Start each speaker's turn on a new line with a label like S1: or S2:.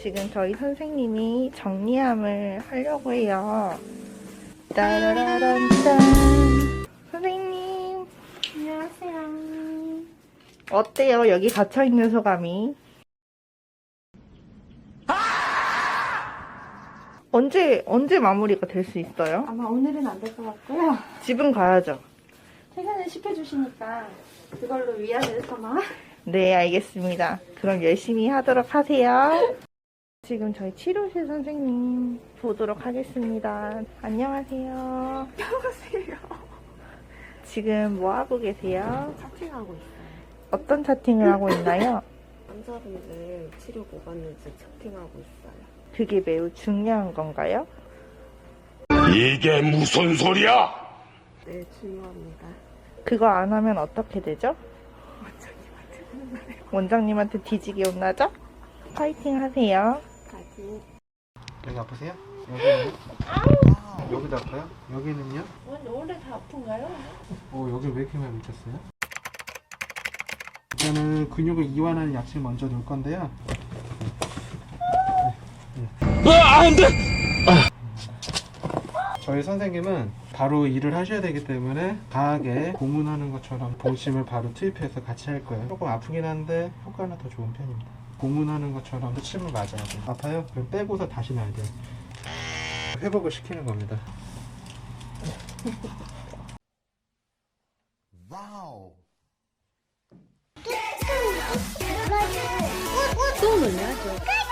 S1: 지금 저희 선생님이 정리함을 하려고 해요. 따라라란짠. 선생님,
S2: 안녕하세요.
S1: 어때요? 여기 갇혀있는 소감이? 언제 마무리가 될 수 있어요?
S2: 아마 오늘은 안 될 것 같고요.
S1: 집은 가야죠.
S2: 퇴근을 시켜주시니까 그걸로 위안을 삼아.
S1: 네, 알겠습니다. 그럼 열심히 하도록 하세요. 지금 저희 치료실 선생님 보도록 하겠습니다. 안녕하세요.
S2: 안녕하세요.
S1: 지금 뭐 하고 계세요?
S3: 차팅하고 있어요.
S1: 어떤 차팅을 하고 있나요?
S3: 환자분들 치료 뭐가 있는지 차팅하고 있어요.
S1: 그게 매우 중요한 건가요?
S4: 이게 무슨 소리야?
S3: 네, 중요합니다.
S1: 그거 안 하면 어떻게 되죠?
S3: 원장님한테 혼나요.
S1: 원장님한테 뒤지게 혼나죠? 파이팅 하세요.
S3: 가지.
S5: 여기 아프세요? 여기는요? 여기도 아파요? 여기는요?
S1: 원래 다 아픈가요?
S5: 여기 왜 이렇게 많이 미쳤어요? 일단은 근육을 이완하는 약실 먼저 넣을 건데요.
S4: 안 돼!
S5: 저희 선생님은 바로 일을 하셔야 되기 때문에 강하게 고문하는 것처럼 봉심을 바로 투입해서 같이 할 거예요. 조금 아프긴 한데 효과는 더 좋은 편입니다. 고문하는 것처럼 침을 맞아야 돼요. 아파요? 그럼 빼고서 다시 놔야 돼요. 회복을 시키는 겁니다.
S2: 또 놀려야죠.